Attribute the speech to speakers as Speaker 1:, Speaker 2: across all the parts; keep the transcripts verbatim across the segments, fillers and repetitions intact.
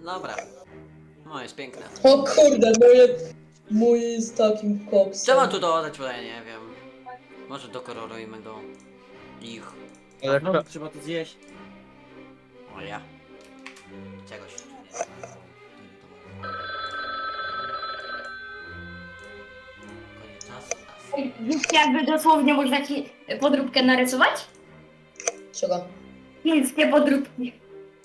Speaker 1: Dobra. No jest piękne.
Speaker 2: O kurde, moje... Mój jest takim koksem.
Speaker 1: Co mam tu dodać, bo ja nie wiem. Może dokolorujmy go. Ich.
Speaker 3: Ale
Speaker 4: No, trzeba to zjeść.
Speaker 1: O ja. Czegoś tu nie. Koniec czasu.
Speaker 5: Wiecie, jakby dosłownie można ci podróbkę narysować?
Speaker 2: Czego?
Speaker 5: Chińskie podróbki.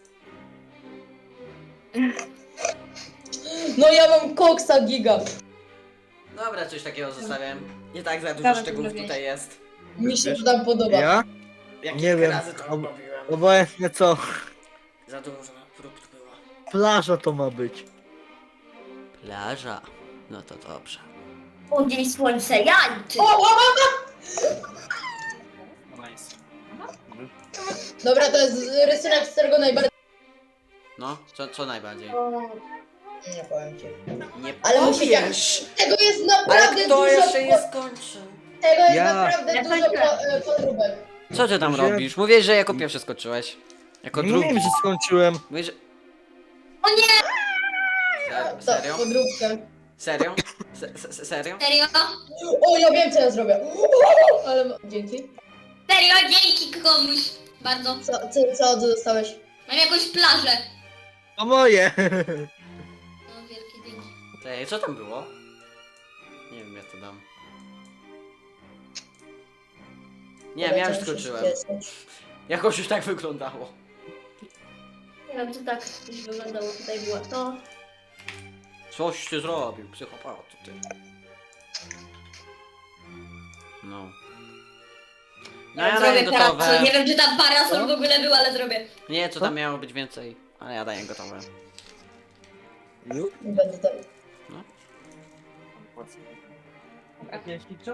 Speaker 2: No ja mam koksa giga.
Speaker 1: Dobra, coś takiego zostawiam. Nie tak za dużo
Speaker 5: Dawaj,
Speaker 1: szczegółów
Speaker 5: zrobię.
Speaker 1: tutaj jest.
Speaker 2: Mi się to tam podoba.
Speaker 3: ja?
Speaker 1: Jak
Speaker 3: Nie
Speaker 1: kilka
Speaker 3: wiem.
Speaker 1: razy to
Speaker 3: Ob-
Speaker 1: robiłem.
Speaker 3: Obojętnie co.
Speaker 1: Za dużo prób tu było.
Speaker 3: Plaża to ma być.
Speaker 1: Plaża. No to dobrze.
Speaker 5: O, dzień słońce, jańczy.
Speaker 2: O, o, o,
Speaker 4: Nice.
Speaker 2: Dobra, to jest rysunek, z którego najbardziej...
Speaker 1: No, co, co najbardziej?
Speaker 2: Nie powiem ci.
Speaker 1: Nie
Speaker 2: Ale musi
Speaker 1: powiesz!
Speaker 2: Tego jest
Speaker 1: Ale
Speaker 2: naprawdę
Speaker 1: kto
Speaker 2: dużo...
Speaker 1: jeszcze
Speaker 2: po-
Speaker 1: nie skończył?
Speaker 2: Tego jest
Speaker 3: Ja.
Speaker 2: naprawdę
Speaker 5: Ja
Speaker 2: dużo
Speaker 5: kończę.
Speaker 2: po, e, podróbek.
Speaker 1: Co ty tam
Speaker 3: Że-
Speaker 1: robisz? Mówisz, że jako pierwszy skończyłeś. Jako
Speaker 3: Nie
Speaker 1: drugi.
Speaker 3: wiem, że skończyłem.
Speaker 1: Mówisz, że...
Speaker 5: O nie!
Speaker 1: Se-
Speaker 2: To,
Speaker 1: Serio?
Speaker 2: podróbkę.
Speaker 1: Serio? Se se serio?
Speaker 5: Serio?
Speaker 2: O, ja wiem co ja zrobię. Ale... ma- Dzięki.
Speaker 5: Serio, dzięki komuś. Bardzo.
Speaker 2: Co, co, co dostałeś?
Speaker 5: Mam jakąś plażę.
Speaker 3: To moje.
Speaker 5: No, wielkie dzięki.
Speaker 1: Ej, co tam było? Nie wiem, ja to dam. Nie wiem, ja już skończyłem. Jakoś już tak wyglądało.
Speaker 5: Nie wiem, to tak już wyglądało. Tutaj było to.
Speaker 1: Coś ty zrobił, psychopato ty. No. No ja daję
Speaker 5: zrobię teraz.
Speaker 1: gotowe.
Speaker 5: Nie wiem, czy tam parasol w ogóle był, ale zrobię.
Speaker 1: Nie, co tam miało być więcej. Ale ja daję gotowe.
Speaker 3: Ju?
Speaker 2: Nie będę tam.
Speaker 4: Jakieś kiczo?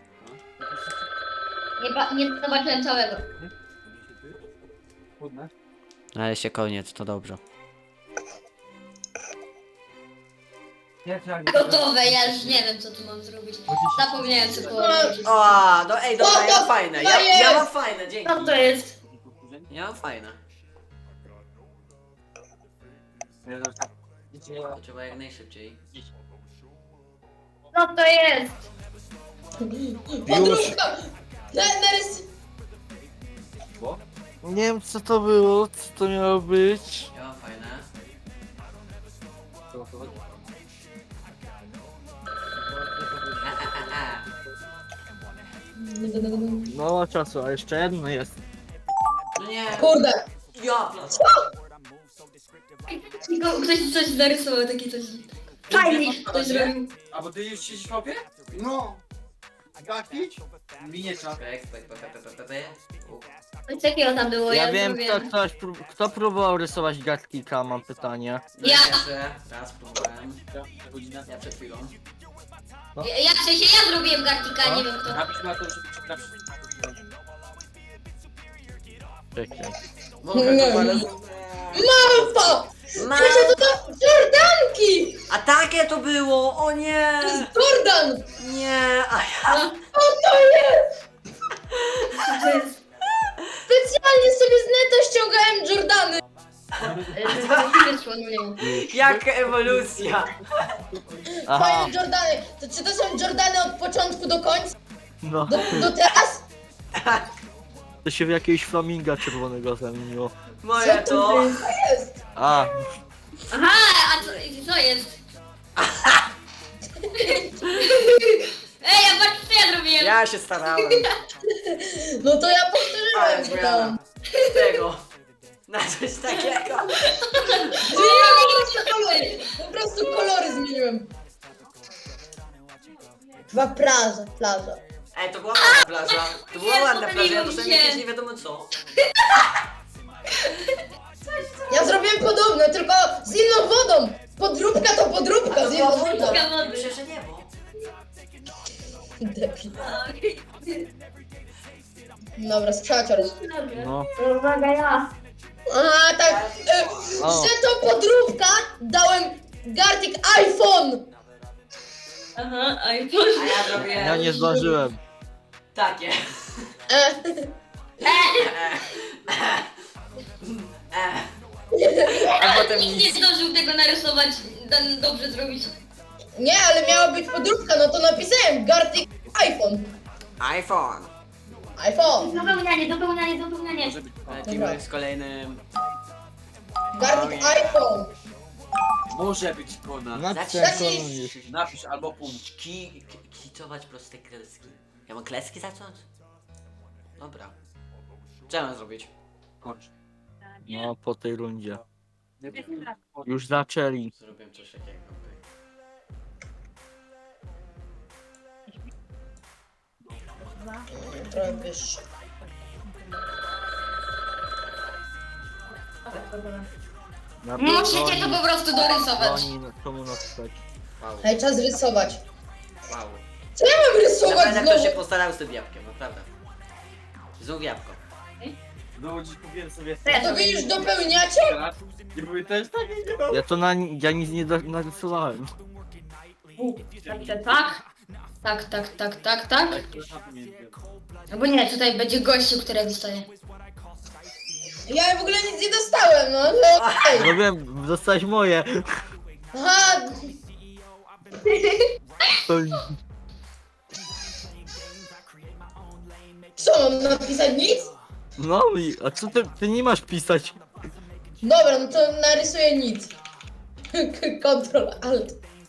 Speaker 5: Nie, ba- nie zobaczyłem całego.
Speaker 4: Chudne.
Speaker 1: Ale się koniec, to dobrze.
Speaker 4: Nie, trzeba
Speaker 5: Gotowe, ja już nie wiem, co tu mam zrobić. Zapomniałem co było. robić.
Speaker 1: O, no ej, dobra,
Speaker 2: Co
Speaker 1: ja
Speaker 2: to
Speaker 1: mam fajne. Ja,
Speaker 2: jest?
Speaker 1: ja mam fajne, dzięki.
Speaker 5: Co to jest?
Speaker 1: Ja mam fajne. To trzeba jak najszybciej.
Speaker 5: Co to jest?
Speaker 2: Podróbka! Na, narys...
Speaker 3: Nie wiem co to było, co to miało być.
Speaker 1: Ja mam fajne.
Speaker 3: No ma czasu, a jeszcze jedno jest.
Speaker 1: No nie.
Speaker 2: Kurde!
Speaker 1: Ja, plac.
Speaker 5: Tylko ktoś coś narysował, takie coś. Fajnie ktoś zrobił.
Speaker 4: A bo ty już siedzisz w mapie? No. Gakić? Miniecza.
Speaker 1: Pek, pek, pek, pek, pek, pek. U.
Speaker 5: Coś takiego tam było, ja,
Speaker 3: Ja wiem kto,
Speaker 5: zrobiłem.
Speaker 3: ktoś, prób- kto próbował rysować Gatkika, mam pytanie.
Speaker 1: No
Speaker 5: Ja.
Speaker 1: Jeszcze raz próbowałem.
Speaker 4: Godzina.
Speaker 1: Ja przed chwilą.
Speaker 5: Ja, ja, w sensie ja zrobiłem Gartika, nie wiem kto.
Speaker 4: Napisz na to, żeby przekraczyć.
Speaker 3: Czekaj.
Speaker 1: Mogę
Speaker 2: Nie.
Speaker 1: to, ale...
Speaker 2: Mam to!
Speaker 1: Ma...
Speaker 2: Proszę, to to Jordanki!
Speaker 1: A takie to było! O nie!
Speaker 2: To jest Jordan!
Speaker 1: Nie! A ja...
Speaker 2: O to jest!
Speaker 5: To jest...
Speaker 2: Specjalnie sobie z neta ściągałem Jordany!
Speaker 5: e, wyszło, no nie wiem.
Speaker 1: Jaka ewolucja!
Speaker 3: Aha,
Speaker 2: Fajne Jordany! To czy to są Jordany od początku do końca?
Speaker 3: no.
Speaker 2: Do, do teraz?
Speaker 3: To się w jakiegoś flaminga czerwonego zamieniło.
Speaker 1: Moje
Speaker 2: Co
Speaker 1: to...
Speaker 2: jest?
Speaker 3: A,
Speaker 5: Aha, a co, co jest? Ej, ja patrz co ja zrobiłem.
Speaker 1: Ja się starałem.
Speaker 2: No to ja
Speaker 1: Ale
Speaker 2: powtórzyłem to
Speaker 1: zmiana.
Speaker 2: tam.
Speaker 1: Tego. Na coś takiego.
Speaker 2: Zmieniłem po prostu kolory! Po prostu kolory zmieniłem. Chyba plaża, plaża.
Speaker 1: Ej, to była ładna plaża. To była
Speaker 5: Nie,
Speaker 1: ładna plaża, ja
Speaker 5: pomyliło mi
Speaker 1: dostałem
Speaker 5: się.
Speaker 1: jakieś nie wiadomo co.
Speaker 2: Ja zrobiłem podobne, tylko z inną wodą. Podróbka to podróbka z inną wodą.
Speaker 5: Podróbka wody.
Speaker 1: Myślę, że niebo.
Speaker 2: Debil. Dobra, sprzedacior.
Speaker 3: no.
Speaker 5: Uwaga, ja.
Speaker 2: A tak, e,
Speaker 3: O.
Speaker 2: że to podróbka dałem Gartic iPhone.
Speaker 5: Aha, a i
Speaker 1: A ja zrobiłem...
Speaker 3: Ja nie zdążyłem.
Speaker 1: Takie.
Speaker 2: E,
Speaker 1: E, e, A potem
Speaker 5: Nikt nie
Speaker 1: nic.
Speaker 5: zdążył tego narysować, dan- dobrze zrobić.
Speaker 2: Nie, ale miała być podróbka, no to napisałem Gartic iPhone.
Speaker 1: iPhone.
Speaker 2: iPhone.
Speaker 5: Dopełnianie, dopełnianie, dopełnianie.
Speaker 1: Lecimy z kolejnym.
Speaker 2: Gartic iPhone.
Speaker 4: Może być kona.
Speaker 3: Matce
Speaker 2: Napisz.
Speaker 4: Napisz albo punkt.
Speaker 1: Ki, ki, kicować proste kreski. Ja mam kreski zacząć? Dobra. Co ja mam zrobić?
Speaker 4: Kończ.
Speaker 3: No, po tej rundzie.
Speaker 4: Nie wiem.
Speaker 3: Już zaczęli.
Speaker 1: Zrobię coś takiego.
Speaker 2: Trochę wyższy.
Speaker 3: Na
Speaker 5: Musicie to po prostu dorysować.
Speaker 3: Oni komu napisać.
Speaker 1: Wow.
Speaker 2: Hej, czas rysować.
Speaker 1: Wow.
Speaker 2: Co ja mam rysować
Speaker 1: Naprawdę ktoś się
Speaker 2: znowu?
Speaker 1: postarał z tym jabłkiem, naprawdę. Znów jabłko.
Speaker 4: No dziś kupiłem sobie
Speaker 2: To wy już dopełniacie?
Speaker 4: i były też takie nie no.
Speaker 3: Ja to na, ja nic nie do, narysowałem.
Speaker 5: Tak, tak, tak, tak, tak, tak. Albo nie, tutaj będzie gościu, który wystaje.
Speaker 2: Ja w ogóle nic nie dostałem, no ale okej.
Speaker 3: No wiem, dostałeś moje.
Speaker 2: Aha,
Speaker 3: To,
Speaker 2: co mam napisać? Nic?
Speaker 3: no i, a co ty, ty nie masz pisać?
Speaker 2: Dobra, no to narysuję nic. Ctrl Alt.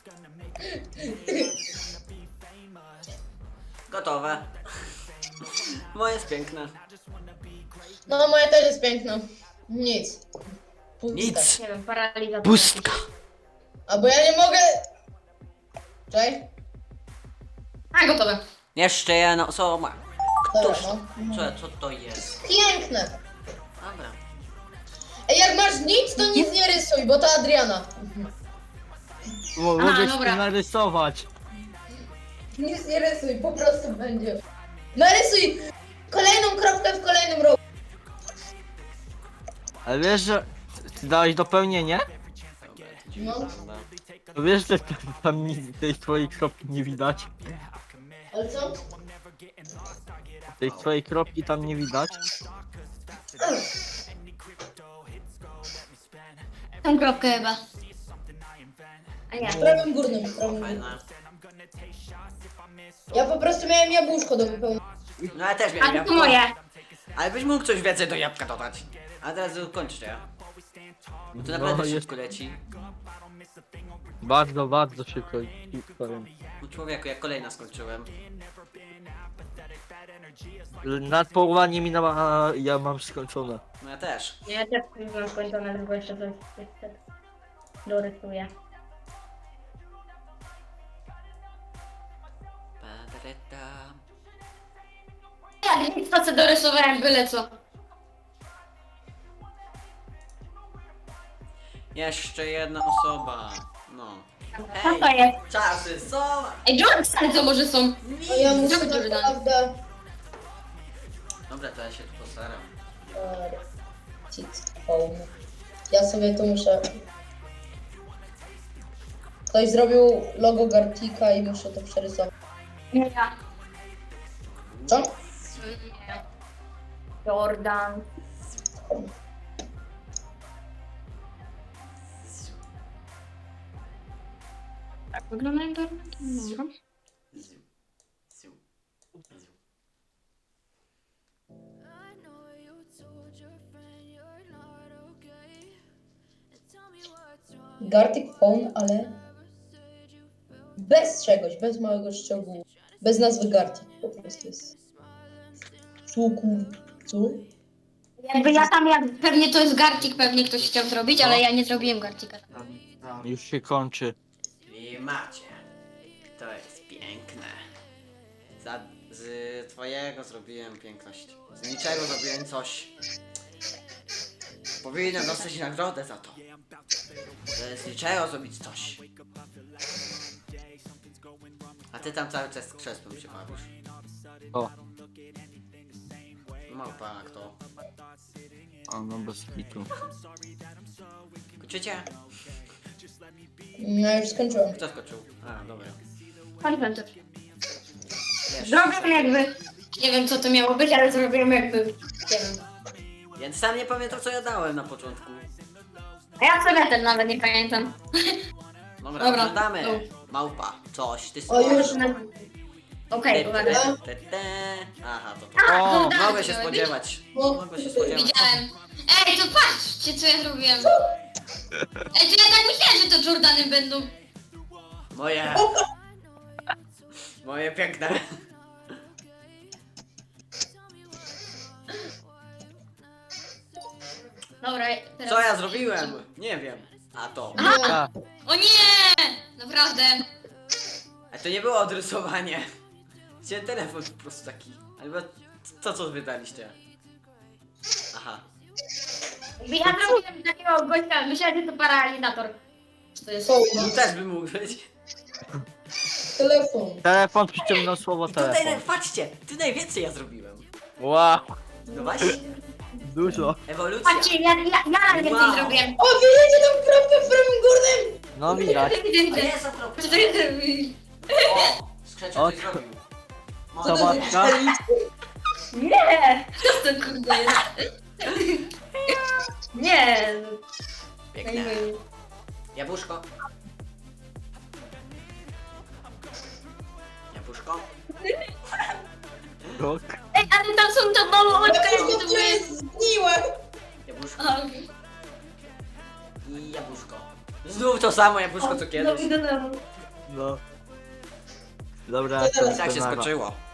Speaker 1: Gotowe. Moje jest piękne.
Speaker 2: No moja też jest piękna. Nic. Pustka.
Speaker 1: Nic.
Speaker 5: Nie wiem, paralizacja.
Speaker 1: Pustka.
Speaker 2: A bo ja nie mogę... Czekaj.
Speaker 5: A, gotowe.
Speaker 1: Jeszcze jedna osoba.
Speaker 2: Dobra,
Speaker 1: Któż?
Speaker 2: no.
Speaker 1: Co, co to jest?
Speaker 2: Piękne.
Speaker 1: Dobra.
Speaker 2: Ej, jak masz nic, to nic nie rysuj, bo to Adriana.
Speaker 3: Mo,
Speaker 5: Aha,
Speaker 3: mogę
Speaker 5: dobra.
Speaker 3: się narysować.
Speaker 2: Nic nie rysuj, po prostu będzie. Narysuj kolejną kropkę w kolejnym rogu.
Speaker 3: Ale wiesz, że ty dałeś dopełnienie?
Speaker 1: Dobra, to dziwnie
Speaker 2: No.
Speaker 1: wygląda.
Speaker 3: To wiesz, że tam, tam nic tej twojej kropki nie widać?
Speaker 2: Ale co?
Speaker 3: Tej twojej kropki tam nie widać?
Speaker 5: Tą kropkę chyba. A nie.
Speaker 2: W prawym górnym, w prawym górnym.
Speaker 1: Fajne.
Speaker 2: Ja po prostu miałem jabłuszko do wypełnienia.
Speaker 1: No ja też
Speaker 5: A
Speaker 1: miałem
Speaker 5: to
Speaker 1: jabłko.
Speaker 5: moje.
Speaker 1: Ale byś mógł coś więcej do jabłka dodać. A teraz kończcie. Bo to naprawdę
Speaker 3: No, jest-
Speaker 1: szybko leci.
Speaker 3: Bardzo, bardzo szybko i powiem.
Speaker 1: No człowieku, ja kolejna skończyłem.
Speaker 3: Nad połowa nie minęła, a ja mam skończone.
Speaker 1: No ja też.
Speaker 5: Ja też mam skończone, tylko jeszcze coś dorysuję.
Speaker 1: Padreta.
Speaker 5: Ja nic to co dorysowałem, byle co.
Speaker 1: Jeszcze jedna osoba. No.
Speaker 5: Co
Speaker 1: Hej,
Speaker 5: to jest?
Speaker 1: czasy są.
Speaker 5: Ej, Jordan co może są?
Speaker 2: No ja muszę
Speaker 5: Zrobić Jordan.
Speaker 2: naprawdę...
Speaker 1: Dobra, to ja się tu postaram.
Speaker 2: Cic, phone. Ja sobie tu muszę... Ktoś zrobił logo Gartika i muszę to przerysować.
Speaker 5: Nie ja.
Speaker 2: Co?
Speaker 5: Nie. Jordan. Tak wygląda Jordan? Dobra.
Speaker 1: Ziu. Ziu. Ziu.
Speaker 6: I know you told your friend you're not okay. And tell me what's wrong.
Speaker 2: Gartic phone, ale bez czegoś, bez małego szczegółu. Bez nazwy Gartic po prostu jest. Cuku. Cu?
Speaker 5: Jakby ja tam, jak pewnie to jest Garcik, pewnie ktoś chciał zrobić, ale ja nie zrobiłem Garcika.
Speaker 3: Już się kończy.
Speaker 1: I macie. To jest piękne. Za, z twojego zrobiłem piękność. Z niczego zrobiłem coś. Powinienem dostać nagrodę za to. Że z niczego zrobić coś. A ty tam cały czas z krzesłem się bawisz.
Speaker 3: O,
Speaker 1: Małpa, kto?
Speaker 3: a no bez kitu.
Speaker 1: Kończycie?
Speaker 2: No już skończyłem.
Speaker 1: Kto skoczył? A, dobra.
Speaker 5: Paliłem to.
Speaker 1: Wiesz.
Speaker 5: Zrobiłem jakby... Nie wiem co to miało być, ale zrobiłem jakby... Nie wiem.
Speaker 1: Więc sam nie pamiętam co ja dałem na początku.
Speaker 5: A ja sobie ten nawet nie pamiętam.
Speaker 1: Dobra,
Speaker 5: Dobra.
Speaker 1: oglądamy.
Speaker 5: No.
Speaker 1: Małpa, coś, ty
Speaker 2: O, już.
Speaker 5: Okej,
Speaker 1: Te,
Speaker 5: uwaga.
Speaker 1: te, te, te. Aha, to to.
Speaker 5: A,
Speaker 3: O,
Speaker 5: kurde,
Speaker 1: Mogę się
Speaker 5: zrobiłem.
Speaker 1: spodziewać.
Speaker 2: No.
Speaker 1: Mogę się spodziewać.
Speaker 5: Widziałem. Ej, to patrzcie, co ja zrobiłem. Ej, to ja tak myślałem, że to Jordany będą.
Speaker 1: Moje. Moje piękne.
Speaker 5: Dobra, teraz...
Speaker 1: Co ja zrobiłem? Nie wiem. A to.
Speaker 3: A,
Speaker 5: O nie! Naprawdę.
Speaker 1: A to nie było odrysowanie. Chciałem telefon po prostu taki. Albo to co wydaliście. Aha.
Speaker 5: Ja zrobiłem takiego gościa, myślałem, że to paralizator. Co to jest?
Speaker 2: Co?
Speaker 1: Tu też by mógł być.
Speaker 2: Telefon.
Speaker 3: telefon przyciągnął słowo
Speaker 1: I tutaj,
Speaker 3: telefon.
Speaker 1: patrzcie, tu najwięcej ja zrobiłem.
Speaker 3: Wow,
Speaker 1: No właśnie,
Speaker 3: dużo.
Speaker 1: ewolucja.
Speaker 5: Patrzcie, ja, ja, ja nawet więcej
Speaker 1: Wow.
Speaker 5: zrobiłem.
Speaker 2: O, widzicie tam kropkę w prawym górnym?
Speaker 3: No widać.
Speaker 1: A
Speaker 5: Widzę.
Speaker 1: jest okropne.
Speaker 5: Co to jest?
Speaker 1: O, skrzeczek
Speaker 3: O,
Speaker 1: coś zrobił.
Speaker 2: Co to
Speaker 3: Zobacz,
Speaker 2: jest?
Speaker 3: no.
Speaker 5: Nie! Co to kurde jest? Nie!
Speaker 1: Piękne. Jabłuszko. Jabłuszko.
Speaker 3: Rok.
Speaker 5: Ej, ale tam są to małe oczka,
Speaker 2: Ja
Speaker 5: jakie
Speaker 2: to
Speaker 5: to jest.
Speaker 2: jest zgniłe.
Speaker 1: Jabłuszko
Speaker 5: A,
Speaker 1: i jabłuszko. Znów to samo jabłuszko co
Speaker 5: no,
Speaker 1: kiedyś.
Speaker 5: idę do domu.
Speaker 3: No. Dobra,
Speaker 2: To teraz
Speaker 1: Tak się
Speaker 3: nara.
Speaker 1: skończyło.